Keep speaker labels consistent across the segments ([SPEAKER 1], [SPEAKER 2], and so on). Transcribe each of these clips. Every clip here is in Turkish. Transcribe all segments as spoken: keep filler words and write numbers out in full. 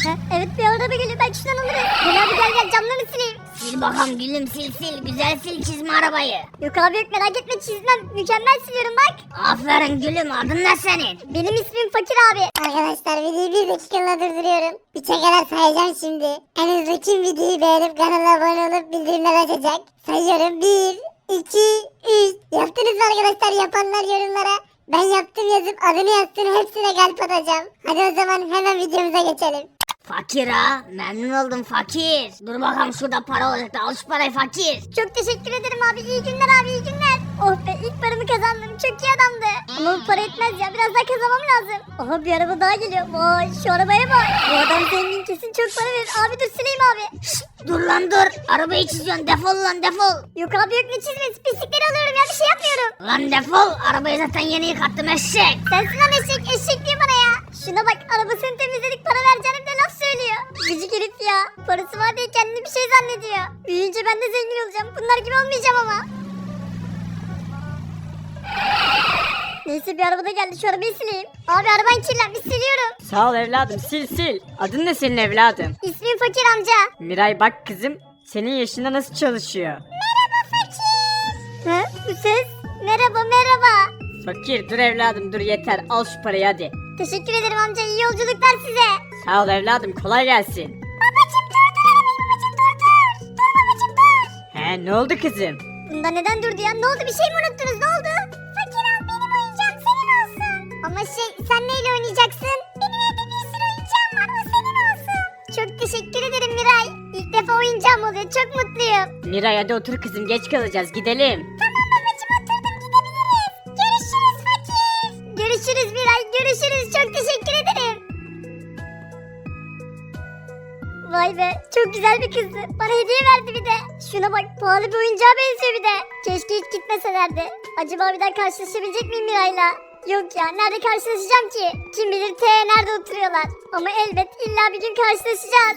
[SPEAKER 1] Ha, evet bir araba geliyor, ben şuradan alırım. Gel abi gel gel, camlarını sileyim.
[SPEAKER 2] Sil bakalım gülüm, sil sil. Güzel sil, çizme arabayı.
[SPEAKER 1] Yok abi yok, merak etme, çizmem. Mükemmel siliyorum bak.
[SPEAKER 2] Aferin gülüm, adın ne senin?
[SPEAKER 1] Benim ismim Fakir abi.
[SPEAKER 3] Arkadaşlar videoyu bir dakikalığına durduruyorum. Üçe kadar sayacağım şimdi. En hızlı kim videoyu beğenip kanala abone olup bildirimler açacak? Sayıyorum. bir, iki, üç. Yaptınız mı arkadaşlar? Yapanlar yorumlara ben yaptım yazıp adını yazsın, hepsine kalp atacağım. Hadi o zaman hemen videomuza geçelim.
[SPEAKER 2] Fakir ha, memnun oldum fakir. Dur bakalım, şurada para olacak da al şu parayı fakir.
[SPEAKER 1] Çok teşekkür ederim abi, iyi günler abi, iyi günler. Oh be, ilk paramı kazandım, çok iyi adamdı. Ama bu para etmez ya, biraz daha kazanmam lazım. Aha bir araba daha geliyor, vay şu arabaya bak. Bu adam zengin, kesin çok para verir. Abi dur sileyim abi.
[SPEAKER 2] Şşt, dur lan dur, arabayı çiziyorsun, defol lan defol.
[SPEAKER 1] Yok abi yok, ne çizmesi, pislikleri alıyorum ya, bir şey yapmıyorum.
[SPEAKER 2] Lan defol, arabayı zaten yeni yıkattım eşek.
[SPEAKER 1] Sensin lan eşek, eşek diyor bana ya. Şuna bak, arabasını temizledik, para vereceğim de laf söylüyor. Gıcık herif ya, parası var diye kendini bir şey zannediyor. Büyüyünce ben de zengin olacağım, bunlar gibi olmayacağım ama. Neyse bir arabada geldi, şu arabayı sileyim. Abi araban kirlenmiş, siliyorum.
[SPEAKER 4] Sağ ol evladım, sil sil. Adın ne senin evladım?
[SPEAKER 1] İsmim Fakir amca.
[SPEAKER 4] Miray bak kızım, senin yaşında nasıl çalışıyor?
[SPEAKER 1] Ha, bu ses? Merhaba merhaba.
[SPEAKER 4] Fakir dur evladım dur, yeter, al şu parayı hadi.
[SPEAKER 1] Teşekkür ederim amca, iyi yolculuklar size.
[SPEAKER 4] Sağ ol evladım, kolay gelsin.
[SPEAKER 1] Babacım dur dur arabayı, babacım dur dur. Dur babacım dur.
[SPEAKER 4] He ne oldu kızım?
[SPEAKER 1] Bunda neden durdu ya? Ne oldu, bir şey mi unuttunuz, ne oldu? Fakir al, benim oyuncağım senin olsun. Ama şey, sen neyle oynayacaksın? Benim evde bir sürü oyuncağım var, o senin olsun. Çok teşekkür ederim Miray. İlk defa oyuncağım oluyor, çok mutluyum.
[SPEAKER 4] Miray hadi otur kızım, geç kalacağız, gidelim.
[SPEAKER 1] Tamam babacım, oturdum, gidebiliriz. Görüşürüz Fakir. Görüşürüz Miray, görüşürüz, çok teşekkür ederim. Vay be, çok güzel bir kızdı. Bana hediye verdi bir de. Şuna bak, pahalı bir oyuncağa benziyor bir de. Keşke hiç gitmeselerdi. Acaba bir daha karşılaşabilecek miyim Miray'la? Yok ya, nerede karşılaşacağım ki? Kim bilir T nerede oturuyorlar. Ama elbet illa bir gün karşılaşacağız.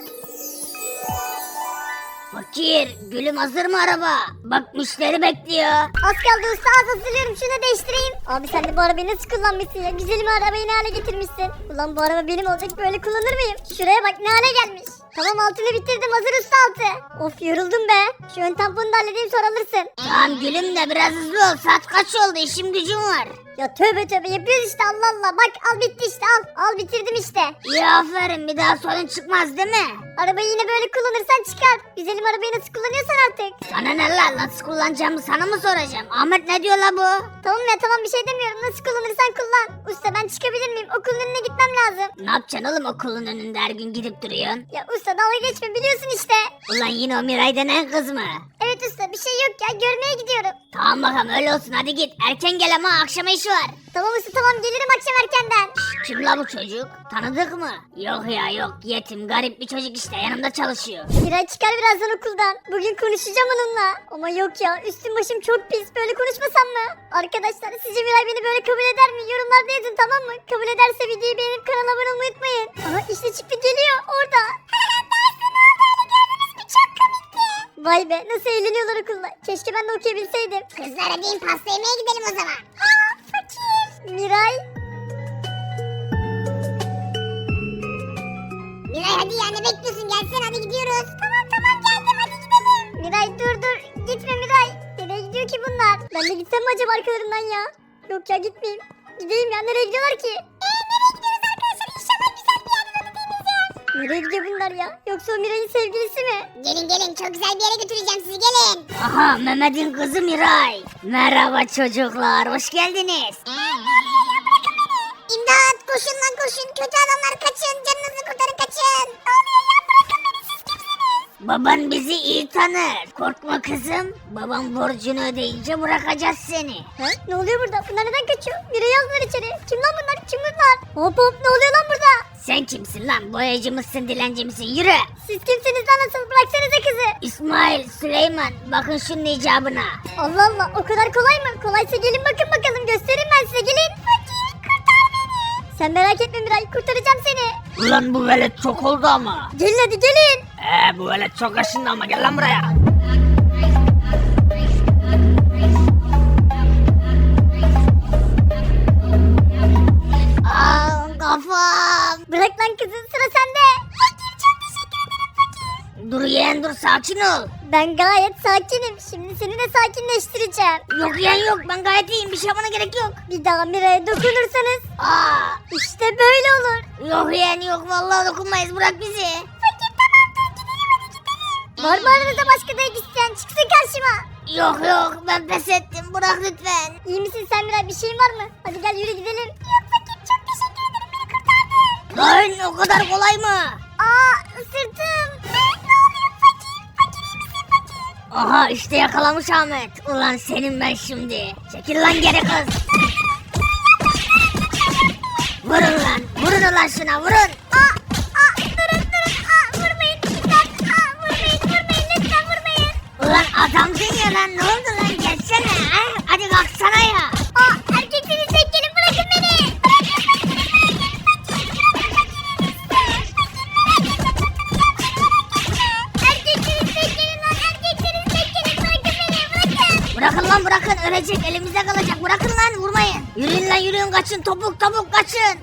[SPEAKER 2] Fakir, gülüm hazır mı araba? Bak müşteri bekliyor.
[SPEAKER 1] Az kaldı usta, az hazırlıyorum, şunu değiştireyim. Abi sen de bu arabayı nasıl kullanmışsın ya? Güzelim arabayı ne hale getirmişsin? Ulan bu araba benim olacak, böyle kullanır mıyım? Şuraya bak ne hale gelmiş. Tamam, altını bitirdim, hazır usta altı. Of yoruldum be. Şu ön tamponunu da halledeyim, sonra alırsın.
[SPEAKER 2] Tamam gülüm de biraz hızlı ol, saat kaç oldu, işim gücüm var.
[SPEAKER 1] Ya tövbe tövbe yapıyoruz işte, Allah Allah. Bak al bitti işte, al. Al bitirdim işte.
[SPEAKER 2] İyi aferin, bir daha sorun çıkmaz değil mi?
[SPEAKER 1] Arabayı yine böyle kullanırsan çıkar. Güzelim arabayı nasıl kullanıyorsan artık.
[SPEAKER 2] Sana ne lan, nasıl kullanacağımı sana mı soracağım? Ahmet ne diyor la bu?
[SPEAKER 1] Tamam ya tamam, bir şey demiyorum. Nasıl kullanırsan kullan. Usta ben çıkabilir miyim? Okulun önüne gitmem lazım.
[SPEAKER 2] Ne yapacaksın oğlum okulun önünde her gün gidip duruyorsun?
[SPEAKER 1] Ya usta dalga geçme, biliyorsun işte.
[SPEAKER 2] Ulan yine o Miray denen kız mı?
[SPEAKER 1] Evet usta, bir şey yok ya, görmeye gidiyorum.
[SPEAKER 2] Tamam bakalım öyle olsun, hadi git. Erken gel ama akşama işi var.
[SPEAKER 1] Tamam usta tamam, gelirim akşam erkenden.
[SPEAKER 2] Kim la bu çocuk? Tanıdık mı? Yok ya yok, yetim garip bir çocuk işte, yanımda çalışıyor.
[SPEAKER 1] Miray çıkar birazdan okuldan. Bugün konuşacağım onunla. Ama yok ya, üstüm başım çok pis, böyle konuşmasam mı? Arkadaşlar sizce Miray beni böyle kabul eder mi? Yorumlarda yazın, tamam mı? Kabul ederse videoyu beğenip kanala abone olmayı unutmayın. Aha işte çıktı, geliyor orada. Vay be, nasıl eğleniyorlar okulda. Keşke ben de okuyabilseydim.
[SPEAKER 3] Kızlar hadi pasta yemeye gidelim o zaman.
[SPEAKER 1] Aa fakir. Miray.
[SPEAKER 3] Miray hadi ya, ne bekliyorsun, gelsene hadi gidiyoruz. Tamam tamam geldim, hadi gidelim.
[SPEAKER 1] Miray dur dur, gitme Miray. Nereye gidiyor ki bunlar? Ben de gitsem mi acaba arkalarından ya? Yok ya, gitmeyeyim. Gideyim ya, nereye gidiyorlar ki?
[SPEAKER 3] Eee nereye gidiyoruz arkadaşlar, inşallah güzel bir yer olur deniz.
[SPEAKER 1] Nereye gidiyor bunlar ya? Yoksa o Miray'ın sevgilisi mi?
[SPEAKER 3] Gelin gelin, çok güzel bir yere götüreceğim sizi, gelin.
[SPEAKER 2] Aha Mehmet'in kızı Miray. Merhaba çocuklar, hoş geldiniz.
[SPEAKER 3] İmdat, koşun lan koşun, kötü adamlar kaçın, canınızı kurtarın kaçın. Ne oluyor ya, bırakın beni, siz kimsiniz?
[SPEAKER 2] Baban bizi iyi tanır. Korkma kızım. Babam borcunu ödeyince bırakacağız seni.
[SPEAKER 1] Ha? Ne oluyor burada? Bunlar neden kaçıyor? Miray'ı aldılar içeri. Kim lan bunlar? Kim bunlar? Hop hop, ne oluyor lan burada?
[SPEAKER 2] Sen kimsin lan? Boyacı mısın, dilenci misin? Yürü.
[SPEAKER 1] Siz kimsiniz lan asıl? Bıraksanıza kızı.
[SPEAKER 2] İsmail, Süleyman, bakın şunun icabına.
[SPEAKER 1] Allah Allah, o kadar kolay mı? Kolaysa gelin bakın bakalım, göstereyim ben size, gelin. Fakir kurtar beni. Sen merak etme Miray, kurtaracağım seni.
[SPEAKER 4] Ulan bu velet çok oldu ama.
[SPEAKER 1] Gelin hadi gelin.
[SPEAKER 4] Eee bu velet çok aşındı ama, gel lan buraya.
[SPEAKER 2] Aa kafam.
[SPEAKER 1] Bırak lan kızı, sıra sende. Fakir.
[SPEAKER 2] Dur yeğen dur sakin ol.
[SPEAKER 1] Ben gayet sakinim. Şimdi seni de sakinleştireceğim.
[SPEAKER 2] Yok yeğen yok ben gayet iyiyim bir şey yapmana gerek yok.
[SPEAKER 1] Bir daha Miray'a dokunursanız
[SPEAKER 2] Aa,
[SPEAKER 1] işte böyle olur.
[SPEAKER 2] yok yeğen yok vallahi dokunmayız bırak bizi.
[SPEAKER 1] Var mı aranızda başka dayak isteyen? Çıksın karşıma.
[SPEAKER 2] Yok yok ben pes ettim bırak lütfen.
[SPEAKER 1] İyi misin sen Miray? Bir şeyin var mı? Hadi gel yürü gidelim. Yok fakir çok teşekkür ederim. Beni kurtardın.
[SPEAKER 2] Lan o kadar kolay mı?
[SPEAKER 1] Aa sırtım. Ne oluyor fakir? Fakir iyi misin fakir?
[SPEAKER 2] Aha işte yakalamış Ahmet. Ulan senin ben şimdi. Çekil lan geri kız. Vurun lan. Vurun ulan şuna vurun.
[SPEAKER 1] Aa, aa durun durun. Aa vurmayın. Lütfen. Aa vurmayın vurmayın. Lütfen vurmayın.
[SPEAKER 2] Ulan adamsın ya lan ne oldu lan gelsene. Ha? Hadi kalksana ya.
[SPEAKER 1] Aa erkeksiniz tek gelin bırakın beni. Bırakın fakiri bırakın fakiri. Erkeksiniz tek gelin lan. Erkeksiniz tek gelin bırakın beni. Bırakın.
[SPEAKER 2] Bırakın lan bırakın ölecek elimizde kalacak. Bırakın lan vurmayın. Yürüyün lan yürüyün kaçın topuk topuk kaçın.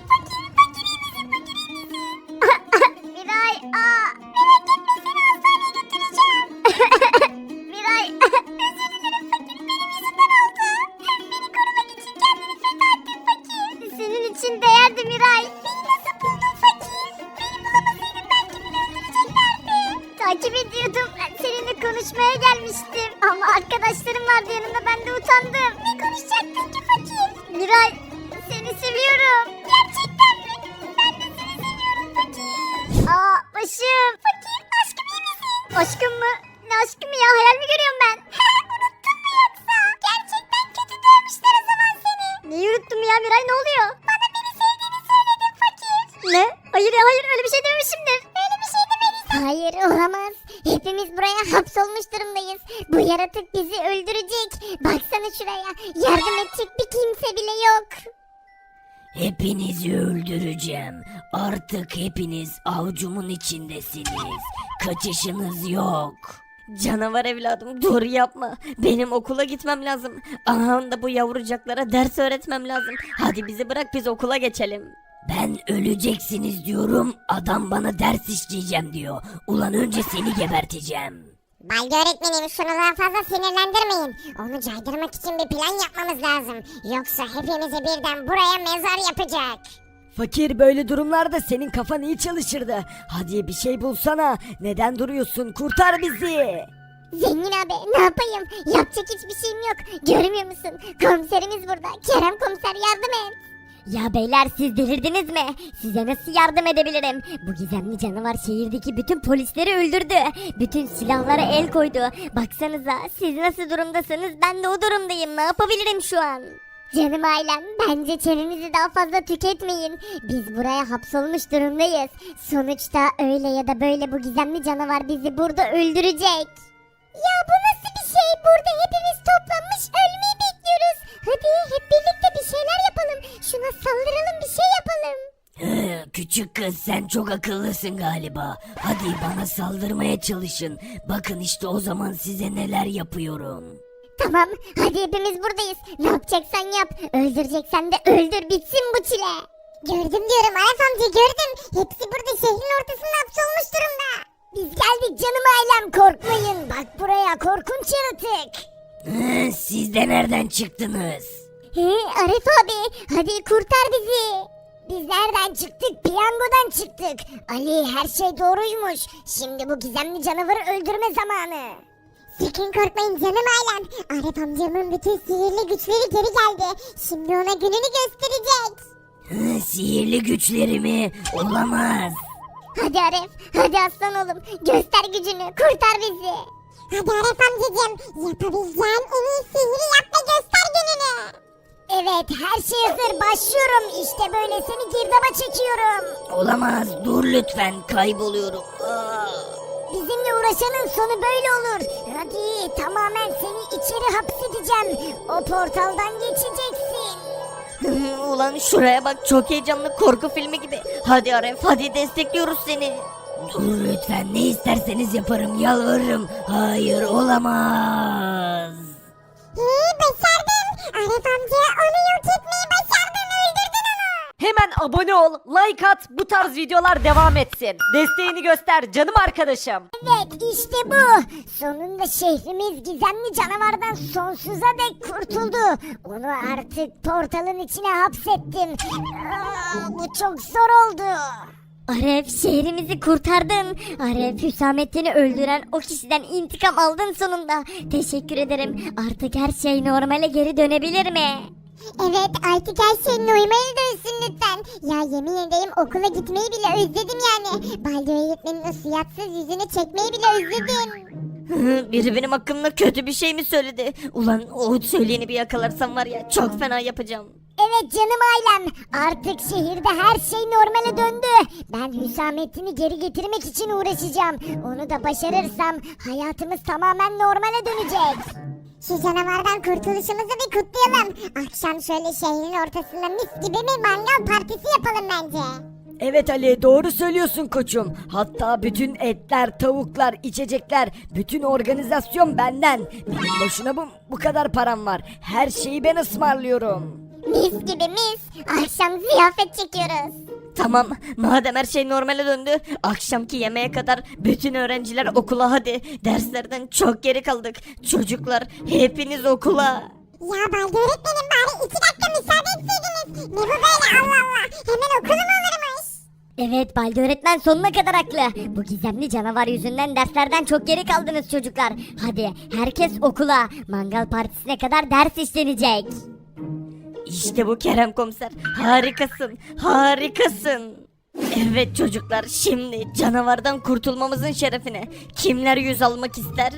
[SPEAKER 1] Miray, aa. Miray gitmesene hastaneye götüreceğim. Miray, özür dilerim fakir. Benim yüzümden oldu. Beni korumak için kendini feda ettin fakir. Senin için değerdi Miray. Beni nasıl buldun fakir? Beni bulamasaydım belki beni öldüreceklerdi. Takip ediyordum. Seninle konuşmaya gelmiştim. Ama arkadaşlarım vardı yanımda ben de utandım. Ne konuşacaktın ki fakir? Miray, seni seviyorum. Gerçekten mi? Ben de seni seviyorum fakir. Aa başım. Fakir aşkım iyi misin? Aşkım mı? Ne aşkı mı ya? Hayal mi görüyorum ben? Unuttun mu yoksa? Gerçekten kötü dövmüşler o zaman seni. Neyi unuttum ya Miray ne oluyor? Bana beni sevdiğini söyledin fakir. Ne? Hayır ya hayır öyle bir şey dememişimdir. Öyle bir şey demedin. Hayır olamaz. Hepimiz buraya hapsolmuş durumdayız. Bu yaratık bizi öldürecek. Baksana şuraya. Yardım edecek bir kimse bile yok.
[SPEAKER 5] Hepinizi öldüreceğim. Artık hepiniz avcumun içindesiniz. Kaçışınız yok.
[SPEAKER 4] Canavar evladım dur yapma. Benim okula gitmem lazım. Aha da bu yavrucaklara ders öğretmem lazım. Hadi bizi bırak biz okula geçelim.
[SPEAKER 5] Ben öleceksiniz diyorum. Adam bana ders işleyeceğim diyor. Ulan önce seni geberteceğim.
[SPEAKER 3] Baldi öğretmenim şunu daha fazla sinirlendirmeyin. Onu caydırmak için bir plan yapmamız lazım. Yoksa hepimizi birden buraya mezar yapacak.
[SPEAKER 6] Fakir böyle durumlarda senin kafan iyi çalışırdı. Hadi bir şey bulsana. Neden duruyorsun? Kurtar bizi.
[SPEAKER 1] Zengin abi ne yapayım? Yapacak hiçbir şeyim yok. Görmüyor musun? Komiserimiz burada. Kerem komiser yardım et. Ya beyler siz delirdiniz mi? Size nasıl yardım edebilirim? Bu gizemli canavar şehirdeki bütün polisleri öldürdü. Bütün silahlara el koydu. Baksanıza siz nasıl durumdasınız ben de o durumdayım. Ne yapabilirim şu an? Canım ailem bence çenenizi daha fazla tüketmeyin. Biz buraya hapsolmuş durumdayız. Sonuçta öyle ya da böyle bu gizemli canavar bizi burada öldürecek. Ya bu nasıl bir şey? Burada hepimiz toplanmış ölmeyi bekliyoruz. Hadi hep birlikte bir şeyler yapalım. Şuna saldıralım bir şey yapalım.
[SPEAKER 5] Hı, küçük kız sen çok akıllısın galiba. Hadi bana saldırmaya çalışın. Bakın işte o zaman size neler yapıyorum.
[SPEAKER 1] Tamam hadi hepimiz buradayız. Ne yapacaksan yap. Öldüreceksen de öldür bitsin bu çile.
[SPEAKER 3] Gördüm diyorum Arif amca gördüm. Hepsi burada şehrin ortasında hapsolmuş durumda.
[SPEAKER 1] Biz geldik canım ailem korkmayın. Bak buraya korkunç yaratık.
[SPEAKER 5] Hı, siz de nereden çıktınız?
[SPEAKER 1] He Arif abi hadi kurtar bizi. Biz nereden çıktık? Piyangodan çıktık. Ali her şey doğruymuş. Şimdi bu gizemli canavarı öldürme zamanı.
[SPEAKER 3] Sakın korkmayın canım ailem. Arif amcamın bütün sihirli güçleri geri geldi. Şimdi ona gününü gösterecek.
[SPEAKER 5] Hı, sihirli güçlerimi olamaz.
[SPEAKER 1] Hadi Arif hadi aslan oğlum göster gücünü kurtar bizi.
[SPEAKER 3] Hadi Arif amcacığım yapabileceğin en iyi sihiri yap ve göster gününü.
[SPEAKER 1] Evet her şey hazır başlıyorum işte böyle seni girdaba çekiyorum.
[SPEAKER 5] Olamaz dur lütfen kayboluyorum. Aa.
[SPEAKER 1] Bizimle uğraşanın sonu böyle olur. Hadi tamamen seni içeri hapsedeceğim. O portaldan geçeceksin.
[SPEAKER 4] Ulan şuraya bak çok heyecanlı korku filmi gibi. Hadi Aref hadi destekliyoruz seni.
[SPEAKER 5] Dur lütfen ne isterseniz yaparım yalvarırım. Hayır olamaz.
[SPEAKER 3] İyi başardın. Arif amca onu yok etmeyi başardın öldürdün onu.
[SPEAKER 6] Hemen abone ol, like at, bu tarz videolar devam etsin. Desteğini göster canım arkadaşım.
[SPEAKER 3] Evet işte bu. Sonunda şehrimiz gizemli canavardan sonsuza dek kurtuldu. Onu artık portalın içine hapsettim. Aa, bu çok zor oldu.
[SPEAKER 1] Aref şehrimizi kurtardın. Aref Hüsamettin'i öldüren o kişiden intikam aldın sonunda. Teşekkür ederim. Artık her şey normale geri dönebilir mi?
[SPEAKER 3] Evet artık her şey normale dönsün lütfen. Ya yemin ederim okula gitmeyi bile özledim yani. Baldi öğretmenin o suyatsız yüzünü çekmeyi bile özledim.
[SPEAKER 4] Biri benim hakkımda kötü bir şey mi söyledi? Ulan o söyleyeni bir yakalarsam var ya çok fena yapacağım.
[SPEAKER 3] Evet canım ailem. Artık şehirde her şey normale döndü. Ben Hüsamettin'i geri getirmek için uğraşacağım. Onu da başarırsam hayatımız tamamen normale dönecek. Şu canavardan kurtuluşumuzu bir kutlayalım. Akşam şöyle şehrin ortasında mis gibi bir mangal partisi yapalım bence.
[SPEAKER 6] Evet Ali doğru söylüyorsun koçum. Hatta bütün etler, tavuklar, içecekler, bütün organizasyon benden. Benim boşuna bu, bu kadar param var. Her şeyi ben ısmarlıyorum.
[SPEAKER 3] Mis gibi mis. Akşam ziyafet çekiyoruz.
[SPEAKER 4] Tamam madem her şey normale döndü akşamki yemeğe kadar bütün öğrenciler okula hadi. Derslerden çok geri kaldık. Çocuklar hepiniz okula.
[SPEAKER 3] Ya Baldi öğretmenim bari iki dakika müsaade etseydiniz. Ne bu böyle Allah Allah. Hemen okulu mu olurmuş?
[SPEAKER 1] Evet Baldi öğretmen sonuna kadar haklı. Bu gizemli canavar yüzünden derslerden çok geri kaldınız çocuklar. Hadi herkes okula. Mangal partisine kadar ders işlenecek.
[SPEAKER 4] İşte bu Kerem komiser. Harikasın. Harikasın. Evet çocuklar şimdi canavardan kurtulmamızın şerefine kimler yüz almak ister?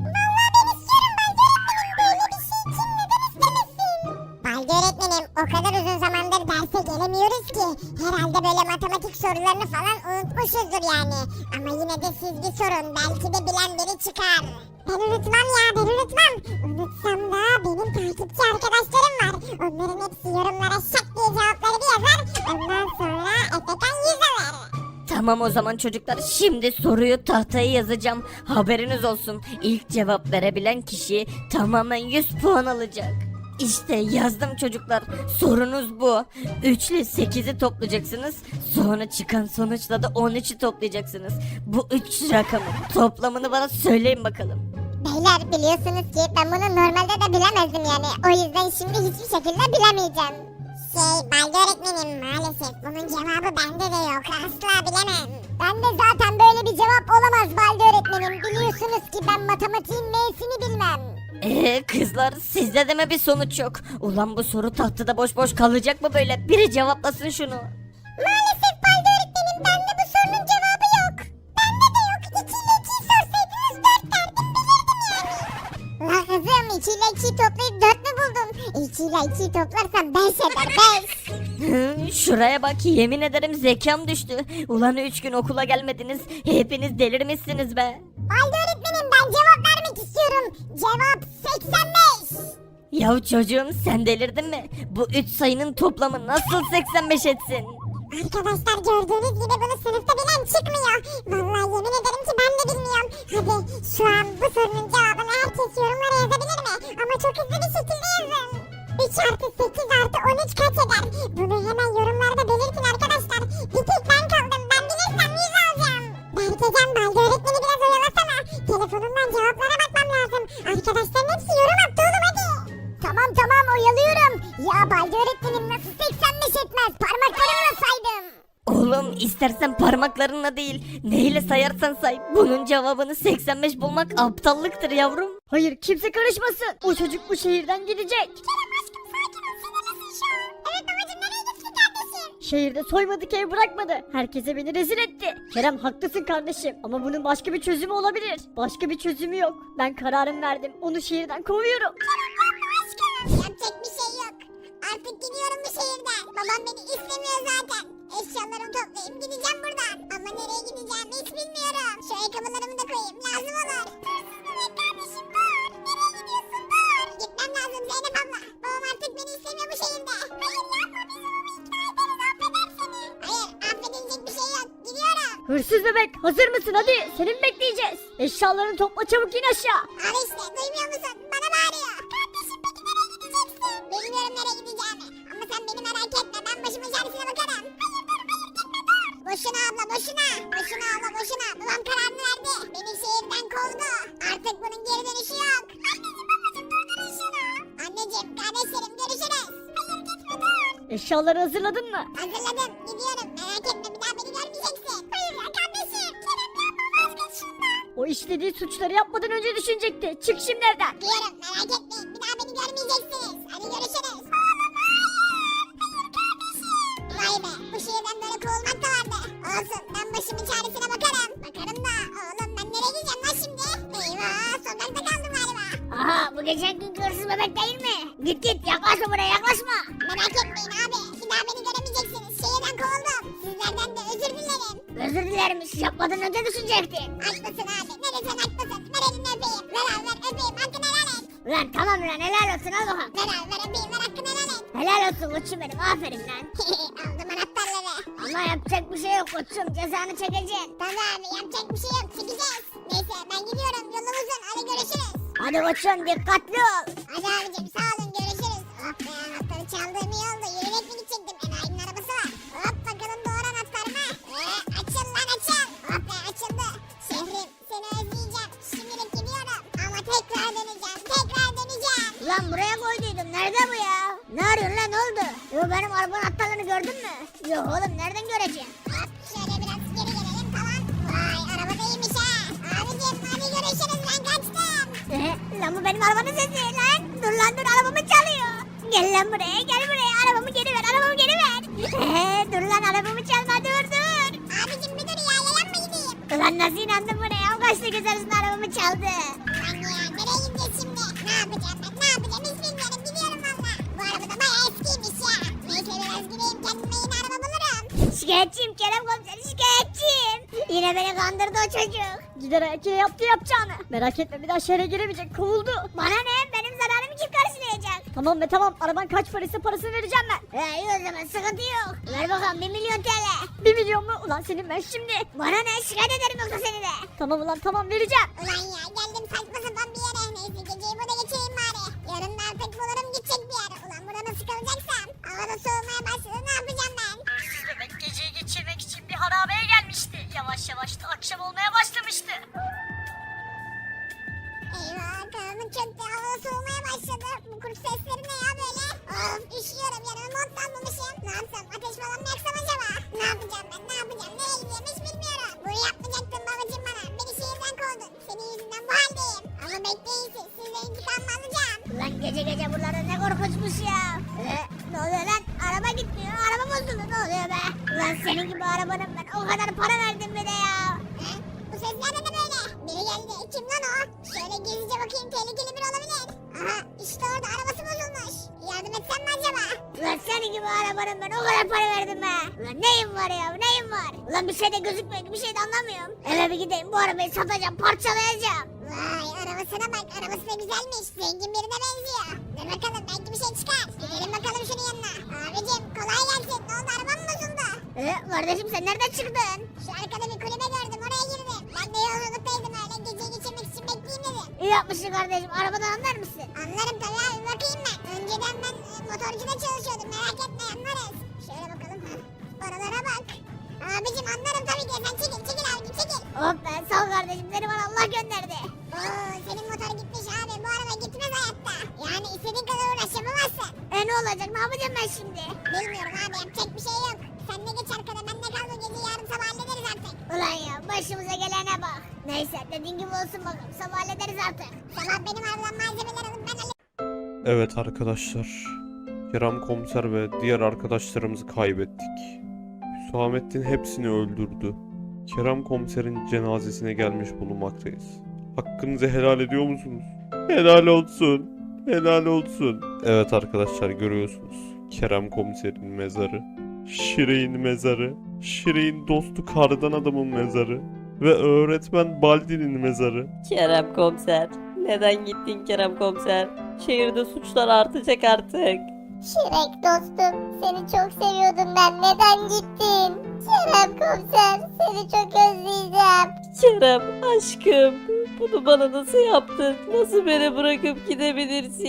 [SPEAKER 3] Baldi öğretmenim o kadar uzun zamandır derse gelemiyoruz ki. Herhalde böyle matematik sorularını falan unutmuşuzdur yani. Ama yine de siz bir sorun belki de bilen biri çıkar. Ben unutmam ya ben unutmam. Unutsam da benim takipçi arkadaşlarım var. Onların hepsi yorumlara şak diye cevapları bir yazar. Ondan sonra Efekan yüz alır.
[SPEAKER 4] Tamam o zaman çocuklar şimdi soruyu tahtaya yazacağım. Haberiniz olsun. İlk cevap verebilen kişi tamamen yüz puan alacak. İşte yazdım çocuklar. Sorunuz bu. üç ile sekizi toplayacaksınız. Sonra çıkan sonuçla da on üçü toplayacaksınız. Bu üç rakamın toplamını bana söyleyin bakalım.
[SPEAKER 3] Beyler biliyorsunuz ki ben bunu normalde de bilemezdim yani. O yüzden şimdi hiçbir şekilde bilemeyeceğim. Şey Baldi öğretmenim maalesef bunun cevabı bende de yok. Asla bilemem. Ben de zaten böyle bir cevap olamaz Baldi öğretmenim. Biliyorsunuz ki ben matematiğin M'sini bilmem.
[SPEAKER 4] Eee kızlar sizde de mi bir sonuç yok? Ulan bu soru tahtada boş boş kalacak mı böyle? Biri cevaplasın şunu.
[SPEAKER 3] Maalesef Baldi öğretmenim bende bu sorunun cevabı yok. Bende de yok. iki ile ikiyi sorsaydınız dört derdim bilirdim yani. La kızım iki ile ikiyi toplayıp dört mü buldun? iki ile ikiyi toplarsam beş eder beş.
[SPEAKER 4] Hı, şuraya bak yemin ederim zekam düştü. Ulan üç gün okula gelmediniz. Hepiniz delirmişsiniz be.
[SPEAKER 3] Baldi öğretmenim ben cevap vermek istiyorum. Cevap seksen beş.
[SPEAKER 4] Ya çocuğum sen delirdin mi? Bu üç sayının toplamı nasıl seksen beş etsin?
[SPEAKER 3] Arkadaşlar gördüğünüz gibi bunu sınıfta bilen çıkmıyor. Vallahi yemin ederim ki ben de bilmiyorum. Hadi şu an bu sorunun cevabını herkes yorumlara yazabilir mi? Ama çok hızlı bir şekilde yazın. üç artı sekiz artı on üç kaç eder? Bunu hemen yorumlarda belirtin arkadaşlar. Bir tek ben kaldım. Ben bilirsem yüz alacağım. Berkecan Baldi öğretmeni biraz oyalasana. Telefonumdan cevaplara bakmam lazım. Arkadaşların hepsi yorum attı oğlum hadi. Tamam tamam oyalıyorum. Ya Baldi öğretmenim nasıl seksen beş etmez? Parmaklarımla saydım.
[SPEAKER 4] Oğlum istersen parmaklarınla değil neyle sayarsan say. Bunun cevabını seksen beş bulmak aptallıktır yavrum.
[SPEAKER 6] Hayır kimse karışmasın. O çocuk bu şehirden gidecek.
[SPEAKER 3] Kerem aşkım sakin ol sinirlisin şu an. Evet babacım nereye gitsin kardeşim?
[SPEAKER 6] Şehirde soymadık ev bırakmadı. Herkese beni rezil etti. Kerem haklısın kardeşim ama bunun başka bir çözümü olabilir. Başka bir çözümü yok. Ben kararım verdim. Onu şehirden kovuyorum.
[SPEAKER 3] Yapacak bir şey yok. Artık gidiyorum bu şehirden. Babam beni istemiyor zaten. Eşyalarımı toplayıp gideceğim buradan. Ama nereye gideceğimi hiç bilmiyorum. Şu ayakkabılarımı da koyayım lazım olur. Dur kardeşim dur. Nereye gidiyorsun dur. Gitmem lazım Zeynep abla. Babam artık beni istemiyor bu şehirde. Hayır yapma biz onu ikna ederiz affeder seni. Hayır affedilecek bir şey yok. Gidiyorum.
[SPEAKER 6] Hırsız bebek hazır mısın hadi seni mi bekleyeceğiz? Eşyalarını topla çabuk in aşağı.
[SPEAKER 3] Al işte duymuyor musun? Bana bağırıyor. Kardeşim peki nereye gideceksin? Bilmiyorum nereye gideceğimi. Ama sen beni merak etme ben bu başımın çaresine bakarım. Hayır dur hayır gitme dur. Boşuna abla boşuna. Boşuna abla boşuna. Babam kararını verdi. Beni şehirden kovdu. Artık bunun geri dönüşü yok. Anneciğim babacığım durdurun şunu. Anneciğim kardeşlerim görüşürüz. Hayır gitme dur.
[SPEAKER 1] Eşyaları hazırladın mı?
[SPEAKER 3] Hazırladım. Gidiyorum. Merak etme bir daha beni görmeyeceksin. Hayır ya kardeşim. Kerem yapma vazgeç şundan.
[SPEAKER 1] O işlediği suçları yapmadan önce düşünecekti. Çık şimdi evden.
[SPEAKER 3] Diyorum merak etmeyin. Bir daha beni görmeyeceksiniz. Hadi görüşürüz. Vay be bu şehirden böyle kovulmak da vardı. Olsun ben başımın çaresine bakarım. Bakarım da oğlum ben nereye gideceğim lan şimdi? Eyvah sokakta kaldım galiba.
[SPEAKER 2] Aha bu geçen günkü hırsız bebek değil mi? Git git yaklaşma buraya yaklaşma.
[SPEAKER 3] Merak etmeyin abi. Bir daha beni göremeyeceksiniz. Şehirden kovuldum. Sizlerden de özür dilerim.
[SPEAKER 2] Özür dilermiş yapmadan önce düşünecektin.
[SPEAKER 3] Haklısın abi. Ne desen haklısın. Ver elini öpeyim. Ver abi ver öpeyim. Hakkını helal et.
[SPEAKER 2] Ulan tamam lan helal olsun al bakalım.
[SPEAKER 3] Ver abi ver öpeyim. Ver hakkını helal et.
[SPEAKER 2] Helal olsun koçum benim aferin lan.
[SPEAKER 3] Aldım anahtarları.
[SPEAKER 2] Ama yapacak bir şey yok koçum cezanı çekeceksin.
[SPEAKER 3] Tamam abi yapacak bir şey yok. Çekeceğiz. Neyse ben gidiyorum. Yolum uzun. Hadi görüşürüz.
[SPEAKER 2] Hadi koçum dikkatli ol.
[SPEAKER 3] Hadi abicim sağ olun görüşürüz. Oh be anahtarı çaldığım iyi oldu. Yürüyerek mi gidecektim? Enayi'nin arabası var. Hop bakalım doğru anahtar mı? Ee, açıl lan açıl. Oh be açıldı. Şehrim seni özleyeceğim. Şimdilik gidiyorum. Ama tekrar döneceğim. Tekrar döneceğim.
[SPEAKER 2] Ulan buraya koyduydum nerede bu ya? Ne arıyorsun lan ne oldu? Yo benim arabanın anahtarlarını gördün mü? Yok oğlum nereden göreceğim?
[SPEAKER 3] Hop şöyle biraz geri gelelim tamam. Vay araba da iyiymiş ha. Abicim hadi görüşürüz ben kaçtım.
[SPEAKER 2] Ee, lan bu benim arabanın sesi lan. Dur lan dur arabamı çalıyor. Gel lan buraya gel buraya arabamı geri ver arabamı geri ver. Ee, dur lan arabamı çalma dur dur.
[SPEAKER 3] Abicim bir dur ya yalan mı gideyim?
[SPEAKER 2] Ulan nasıl inandın buraya? O kaçtı göz arasında arabamı çaldı.
[SPEAKER 3] Ulan ya nereye gideceğiz şimdi? Ne yapacağım ben ne yapacağım hiç bilmiyorum gidiyorum valla. Bu araba da bayağı eskiymiş ya. Neyse biraz gideyim kendime yeni araba bulurum.
[SPEAKER 2] Şikayetçiyim Kerem komiser şikayetçiyim. Yine beni kandırdı o çocuk.
[SPEAKER 1] Gider ayak yine yaptı yapacağını. Merak etme bir daha şehre giremeyecek. Kovuldu.
[SPEAKER 2] Bana ne? Benim zararımı kim karşılayacak?
[SPEAKER 1] Tamam be tamam. Araban kaç paraysa parasını vereceğim ben.
[SPEAKER 2] He iyi o zaman sıkıntı yok. Ver bakalım bir milyon T L.
[SPEAKER 1] Bir milyon mu? Ulan senin ben şimdi.
[SPEAKER 2] Bana ne? Şikayet ederim yoksa seni de.
[SPEAKER 1] Tamam ulan tamam vereceğim.
[SPEAKER 3] Ulan ya geldim saçma sapan bir yere. Neyse geceyi burada geçireyim bari. Yarın da artık bulurum gidecek bir yere. Ulan burada nasıl kalacaksam. Havada soğumaya başladı ne yapacağım ben?
[SPEAKER 1] Hırsız bebek geceyi geçirmek için bir harabeye gelmişti. Yavaş yavaş da akşam olmaya başlamıştı.
[SPEAKER 3] Eyvah kanım çöktü havada soğumaya başladı. Bu kurt sesleri ne ya böyle? Of üşüyorum yanıma mont da almamışım. Ne yapsam ateş falan mı yaksam acaba? Ne yapacağım ben ne yapacağım nereye gideceğim hiç bilmiyorum. Bunu yapmayacaktın babacım bana. Beni şehirden kovdun. Senin yüzünden bu haldeyim. Ama bekleyin siz sizden intikamımı alacağım.
[SPEAKER 2] Ulan gece gece buralarda ne korkunçmuş ya. Ee, ne oluyor lan? Araba gitmiyor. Araba bozuldu. Ne oluyor be? Ulan senin gibi arabanın ben o kadar para verdim bir de ya.
[SPEAKER 3] He? Bu sesler de ne böyle? Biri geldi. Kim lan o? Şöyle gizlice bakayım tehlikeli biri olabilir. Aha işte orada arabası bozulmuş. Yardım etsem mi acaba?
[SPEAKER 2] Ulan senin gibi arabanın ben o kadar para verdim be. Ulan neyim var ya neyim var? Ulan bir şey de gözükmüyor ki bir şey de anlamıyorum. Eve bir gideyim bu arabayı satacağım parçalayacağım.
[SPEAKER 3] Vay arabasına bak arabası da güzelmiş. Zengin birine benziyor. Dur bakalım belki bir şey çıkar. Gidelim bakalım şunun yanına. Abicim kolay gelsin. Ne oldu arabam mı bozuldu?
[SPEAKER 2] Ee, kardeşim sen nereden çıktın?
[SPEAKER 3] Şu arkada bir kulübe gördüm oraya girdim. Ben de yolculuktaydım öyle geceyi geçirmek için bekleyeyim dedim.
[SPEAKER 2] İyi yapmışsın kardeşim arabadan anlar mısın?
[SPEAKER 3] Anlarım tabii abi bakayım ben. Önceden ben e, motorcuda çalışıyordum merak etme anlarız. Şöyle bakalım ha. Oralara bak. Abicim anlarım tabii ki sen çekil çekil abicim çekil.
[SPEAKER 2] Hop be sağ ol kardeşim seni bana Allah gönderdi.
[SPEAKER 3] Oo senin motor gitmiş abi bu araba gitmez hayatta. Yani istediğin kadar uğraş yapamazsın.
[SPEAKER 2] E ne olacak ne yapacağım ben şimdi?
[SPEAKER 3] Bilmiyorum abi yapacak bir şey yok. Sen de geç arkada ben de kal bu gece yarın sabah hallederiz artık.
[SPEAKER 2] Ulan ya başımıza gelene bak. Neyse dediğin gibi olsun bakalım sabah hallederiz artık.
[SPEAKER 3] Sabah benim arabadan malzemeler alıp ben hallederim.
[SPEAKER 7] Evet arkadaşlar, Kerem Komiser ve diğer arkadaşlarımızı kaybettik. Hüsamettin hepsini öldürdü. Kerem Komiser'in cenazesine gelmiş bulunmaktayız. Hakkınızı helal ediyor musunuz? Helal olsun. Helal olsun. Evet arkadaşlar görüyorsunuz. Kerem Komiser'in mezarı. Şire'in mezarı. Şire'in dostu kardan adamın mezarı. Ve öğretmen Baldi'nin mezarı.
[SPEAKER 8] Kerem komiser. Neden gittin Kerem komiser? Şehirde suçlar artacak artık.
[SPEAKER 3] Şirek dostum seni çok seviyordum ben neden gittin? Kerem komiser seni çok özleyeceğim.
[SPEAKER 8] Kerem aşkım bunu bana nasıl yaptın? Nasıl beni bırakıp gidebilirsin?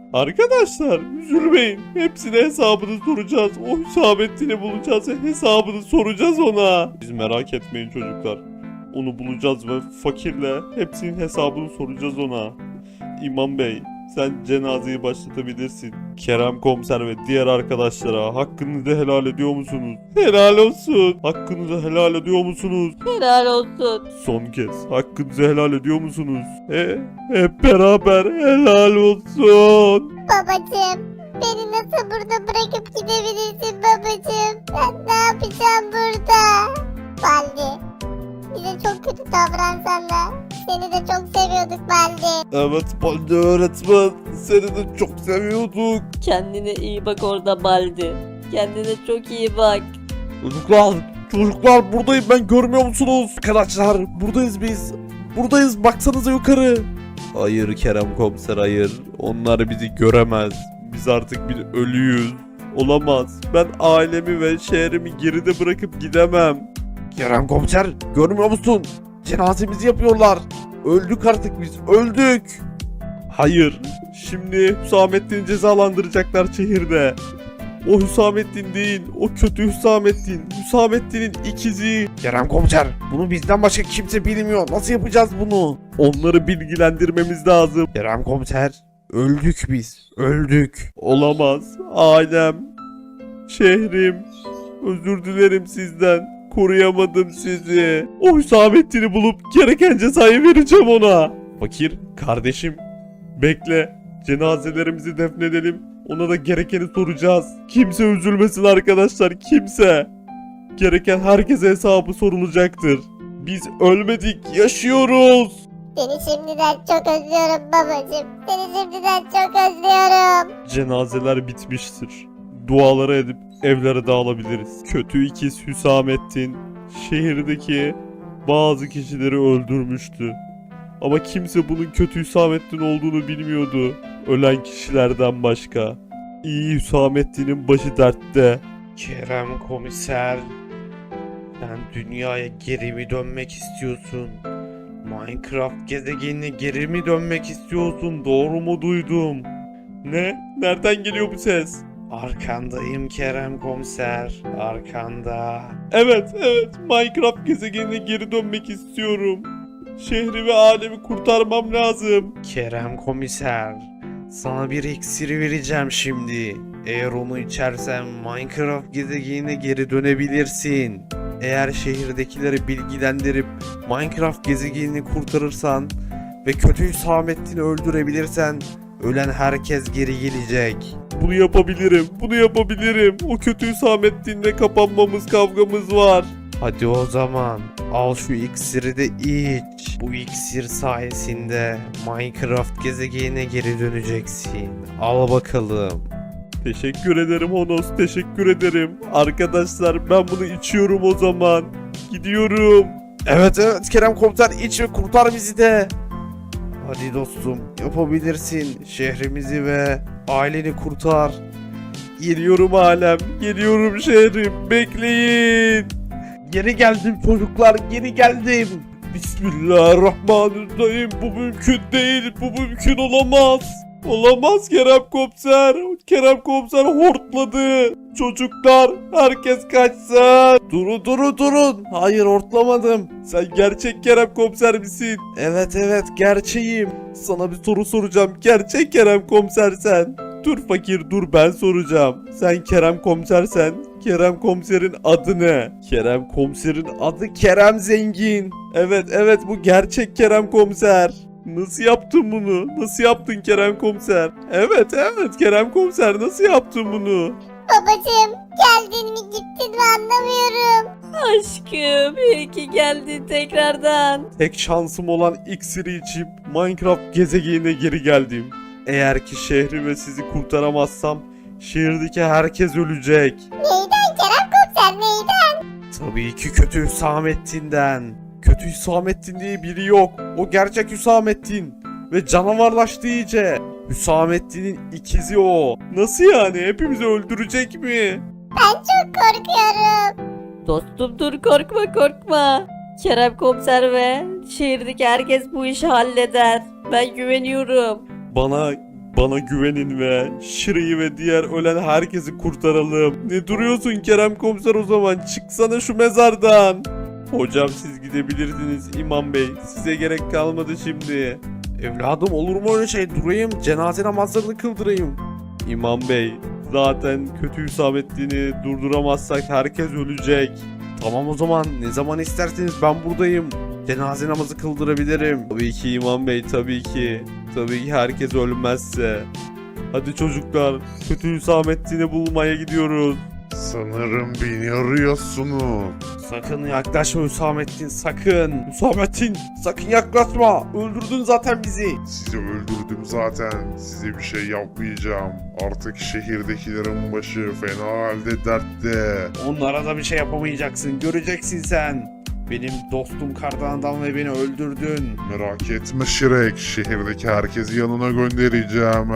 [SPEAKER 7] Arkadaşlar üzülmeyin. Hepsine hesabını soracağız. O Hüsamettin'i bulacağız ve hesabını soracağız ona. Siz merak etmeyin çocuklar. Onu bulacağız ve fakirle hepsinin hesabını soracağız ona. İmam Bey, sen cenazeyi başlatabilirsin. Kerem Komiser ve diğer arkadaşlara hakkınızı helal ediyor musunuz? Helal olsun. Hakkınızı helal ediyor musunuz?
[SPEAKER 8] Helal olsun.
[SPEAKER 7] Son kez hakkınızı helal ediyor musunuz? He, hep beraber helal olsun.
[SPEAKER 3] Babacım, beni nasıl burada bırakıp gidebilirsin babacım? Ben ne yapacağım burada? Baldi, bize çok kötü davransan da seni de çok seviyorduk Baldi.
[SPEAKER 7] Evet Baldi öğretmen, seni de çok seviyorduk.
[SPEAKER 8] Kendine iyi bak orada Baldi. Kendine çok iyi bak.
[SPEAKER 7] Çocuklar, çocuklar buradayım ben, görmüyor musunuz? Arkadaşlar buradayız biz. Buradayız, baksanıza yukarı. Hayır Kerem Komiser, hayır. Onlar bizi göremez. Biz artık bir ölüyüz. Olamaz. Ben ailemi ve şehrimi geride bırakıp gidemem. Kerem Komiser, görmüyor musun? Cenazemizi yapıyorlar. Öldük artık biz, öldük. Hayır. Şimdi Hüsamettin'i cezalandıracaklar şehirde. O Hüsamettin değil, o kötü Hüsamettin. Hüsamettin'in ikizi. Kerem Komiser, bunu bizden başka kimse bilmiyor. Nasıl yapacağız bunu? Onları bilgilendirmemiz lazım. Kerem Komiser, öldük biz, öldük. Olamaz. Ailem, şehrim. Özür dilerim sizden. Koruyamadım sizi. O Hüsamettin'i bulup gereken cezayı vereceğim ona. Fakir, kardeşim, bekle. Cenazelerimizi defnedelim. Ona da gerekeni soracağız. Kimse üzülmesin arkadaşlar, kimse. Gereken herkese hesabı sorulacaktır. Biz ölmedik, yaşıyoruz.
[SPEAKER 3] Seni şimdiden çok özlüyorum babacım. Seni şimdiden çok özlüyorum.
[SPEAKER 7] Cenazeler bitmiştir. Duaları edip evlere dağılabiliriz. Kötü ikiz Hüsamettin şehirdeki bazı kişileri öldürmüştü. Ama kimse bunun kötü Hüsamettin olduğunu bilmiyordu. Ölen kişilerden başka. İyi Hüsamettin'in başı dertte. Kerem Komiser, sen dünyaya geri mi dönmek istiyorsun? Minecraft gezegenine geri mi dönmek istiyorsun? Doğru mu duydum? Ne? Nereden geliyor bu ses? Arkandayım Kerem Komiser, arkanda. Evet, evet, Minecraft gezegenine geri dönmek istiyorum. Şehri ve alemi kurtarmam lazım. Kerem Komiser, sana bir iksiri vereceğim şimdi. Eğer onu içersen Minecraft gezegenine geri dönebilirsin. Eğer şehirdekileri bilgilendirip Minecraft gezegenini kurtarırsan ve kötü Hüsamettin'i öldürebilirsen ölen herkes geri gelecek. Bunu yapabilirim, bunu yapabilirim. O kötü Hüsamettin'le kapanmamız, kavgamız var. Hadi o zaman al şu iksiri de iç. Bu iksir sayesinde Minecraft gezegenine geri döneceksin. Al bakalım. Teşekkür ederim Honos, teşekkür ederim. Arkadaşlar ben bunu içiyorum o zaman. Gidiyorum. Evet evet Kerem Komiser, iç ve kurtar bizi de. Hadi dostum, yapabilirsin. Şehrimizi ve aileni kurtar. Geliyorum alem, geliyorum şehrim. Bekleyin. Geri geldim çocuklar, geri geldim. Bismillahirrahmanirrahim. Bu mümkün değil, bu mümkün olamaz. Olamaz Kerem Komiser. Kerem Komiser hortladı. Çocuklar, herkes kaçsın. Durun durun durun. Hayır, hortlamadım. Sen gerçek Kerem Komiser misin? Evet evet, gerçeğim. Sana bir soru soracağım. Gerçek Kerem Komiser sen. Dur fakir dur, ben soracağım. Sen Kerem Komisersen Kerem Komiser'in adı ne? Kerem Komiser'in adı Kerem Zengin. Evet evet, bu gerçek Kerem Komiser. Nasıl yaptın bunu? Nasıl yaptın Kerem Komiser? Evet evet Kerem Komiser, nasıl yaptın bunu?
[SPEAKER 3] Babacım, geldin mi gittin mi anlamıyorum.
[SPEAKER 8] Aşkım iyi ki geldin tekrardan.
[SPEAKER 7] Tek şansım olan iksiri içip Minecraft gezegenine geri geldim. Eğer ki şehri ve sizi kurtaramazsam şehirdeki herkes ölecek.
[SPEAKER 3] Neyden Kerem Komiser, neyden?
[SPEAKER 7] Tabii ki kötü Hüsamettin'den. Kötü Hüsamettin diye biri yok. O gerçek Hüsamettin. Ve canavarlaştı iyice. Hüsamettin'in ikizi o. Nasıl yani? Hepimizi öldürecek mi?
[SPEAKER 3] Ben çok korkuyorum.
[SPEAKER 8] Dostum dur, korkma korkma. Kerem Komiser ve şehirdeki herkes bu işi halleder. Ben güveniyorum.
[SPEAKER 7] Bana Bana güvenin ve Şire'yi ve diğer ölen herkesi kurtaralım. Ne duruyorsun Kerem Komiser o zaman? Çıksana şu mezardan. Hocam siz gidebilirsiniz İmam Bey. Size gerek kalmadı şimdi. Evladım olur mu öyle şey? Durayım, cenaze namazlarını kıldırayım. İmam Bey, zaten kötü Hüsamettin'i durduramazsak herkes ölecek. Tamam o zaman, ne zaman isterseniz ben buradayım. Cenaze namazı kıldırabilirim. Tabii ki İmam Bey, tabii ki. Tabii ki herkes ölmezse. Hadi çocuklar, kötü Hüsamettin'i bulmaya gidiyoruz.
[SPEAKER 9] Sanırım beni arıyorsunuz.
[SPEAKER 7] Sakın yaklaşma Hüsamettin, sakın. Hüsamettin, sakın yaklaşma. Öldürdün zaten bizi.
[SPEAKER 9] Sizi öldürdüm zaten. Size bir şey yapmayacağım. Artık şehirdekilerin başı fena halde dertte.
[SPEAKER 7] Onlara da bir şey yapamayacaksın. Göreceksin sen. Benim dostum kardan adam ve beni öldürdün.
[SPEAKER 9] Merak etme Şirek. Şehirdeki herkesi yanına göndereceğim.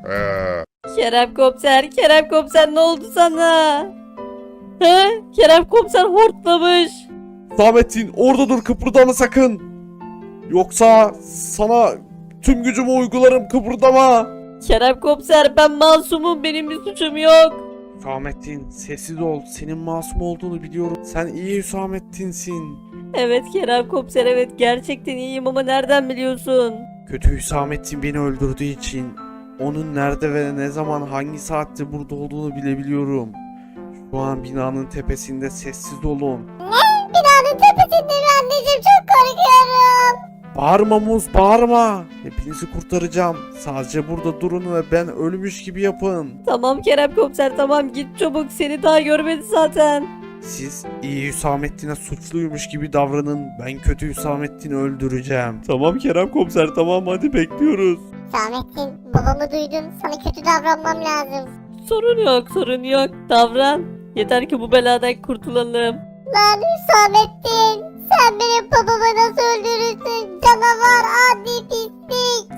[SPEAKER 8] Kerem komiser, Kerem komiser ne oldu sana? He? Kerem komiser hortlamış.
[SPEAKER 7] Hüsamettin orada dur, kıpırdama sakın. Yoksa sana tüm gücümü uygularım, kıpırdama.
[SPEAKER 8] Kerem komiser ben masumum, benim bir suçum yok.
[SPEAKER 7] Hüsamettin sessiz ol. Senin masum olduğunu biliyorum. Sen iyi Hüsamettin'sin.
[SPEAKER 8] Evet Kerem komiser, evet gerçekten iyiyim ama nereden biliyorsun?
[SPEAKER 7] Kötü Hüsamettin beni öldürdüğü için onun nerede ve ne zaman hangi saatte burada olduğunu bilebiliyorum. Şu an binanın tepesinde, sessiz olun.
[SPEAKER 3] Binanın tepesinde mi anneciğim? Çok korkuyorum.
[SPEAKER 7] Bağırma Muz, bağırma. Hepinizi kurtaracağım. Sadece burada durun ve ben ölmüş gibi yapın.
[SPEAKER 8] Tamam Kerem komiser, tamam git çabuk, seni daha görmedi zaten.
[SPEAKER 7] Siz iyi Hüsamettin'e suçluymuş gibi davranın. Ben kötü Hüsamettin'i öldüreceğim. Tamam Kerem Komiser, tamam, hadi bekliyoruz.
[SPEAKER 3] Hüsamettin, babamı duydun. Sana kötü davranmam lazım.
[SPEAKER 8] Sorun yok, sorun yok, davran. Yeter ki bu beladan kurtulalım.
[SPEAKER 3] Lan Hüsamettin, sen benim babamı nasıl öldürürsün? Canavar, adi pislik.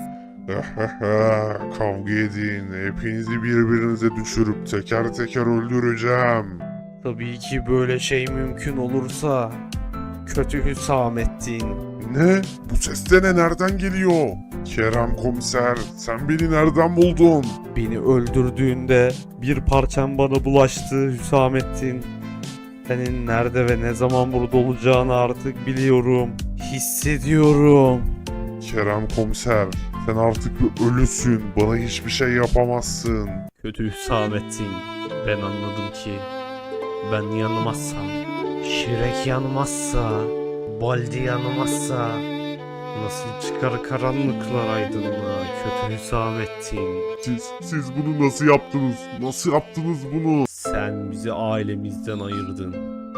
[SPEAKER 9] Kavga edin. Hepinizi birbirinize düşürüp teker teker öldüreceğim.
[SPEAKER 7] Tabii ki böyle şey mümkün olursa. Kötü Hüsamettin.
[SPEAKER 9] Ne? Bu ses de ne? Nereden geliyor? Kerem komiser, sen beni nereden buldun?
[SPEAKER 7] Beni öldürdüğünde bir parçam bana bulaştı Hüsamettin. Senin nerede ve ne zaman burada olacağını artık biliyorum. Hissediyorum.
[SPEAKER 9] Kerem komiser, sen artık bir ölüsün. Bana hiçbir şey yapamazsın.
[SPEAKER 7] Kötü Hüsamettin. Ben anladım ki ben yanmazsam, Şirek yanmazsa, Baldi yanmazsa nasıl çıkar karanlıklar aydınlığa kötü Hüsamettin.
[SPEAKER 9] Siz, siz bunu nasıl yaptınız? Nasıl yaptınız bunu?
[SPEAKER 7] Sen bizi ailemizden ayırdın.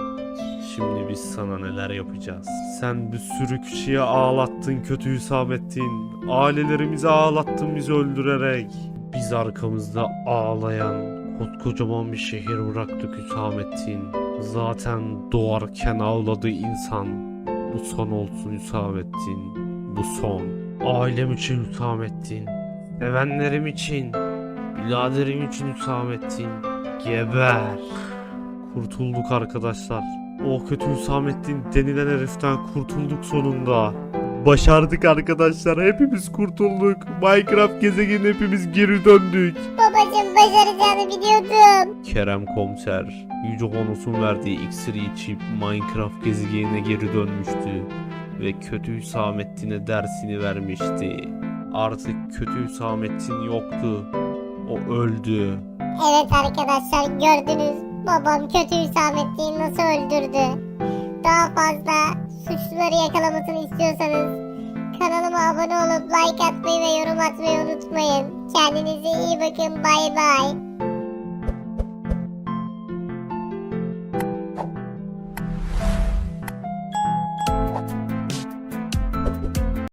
[SPEAKER 7] Şimdi biz sana neler yapacağız? Sen bir sürü kişiye ağlattın kötü Hüsamettin. Ailelerimizi ağlattın bizi öldürerek. Biz arkamızda ağlayan koskocaman bir şehir bıraktık Hüsamettin. Zaten doğarken ağladığı insan. Bu son olsun Hüsamettin. Bu son. Ailem için Hüsamettin. Sevenlerim için. Biraderim için Hüsamettin. Geber. Kurtulduk arkadaşlar. O kötü Hüsamettin denilen heriften kurtulduk sonunda. Başardık arkadaşlar. Hepimiz kurtulduk. Minecraft gezegenine hepimiz geri döndük.
[SPEAKER 3] Babacım, başaracağını biliyordum.
[SPEAKER 7] Kerem Komiser Yüce Honos'un verdiği iksiri içip Minecraft gezegenine geri dönmüştü. Ve kötü Hüsamettin'e dersini vermişti. Artık kötü Hüsamettin yoktu. O öldü.
[SPEAKER 3] Evet arkadaşlar, gördünüz. Babam kötü Hüsamettin'i nasıl öldürdü. Daha fazla suçluları yakalamasını istiyorsanız kanalıma abone olup like atmayı ve yorum atmayı unutmayın. Kendinize iyi bakın. Bay bay.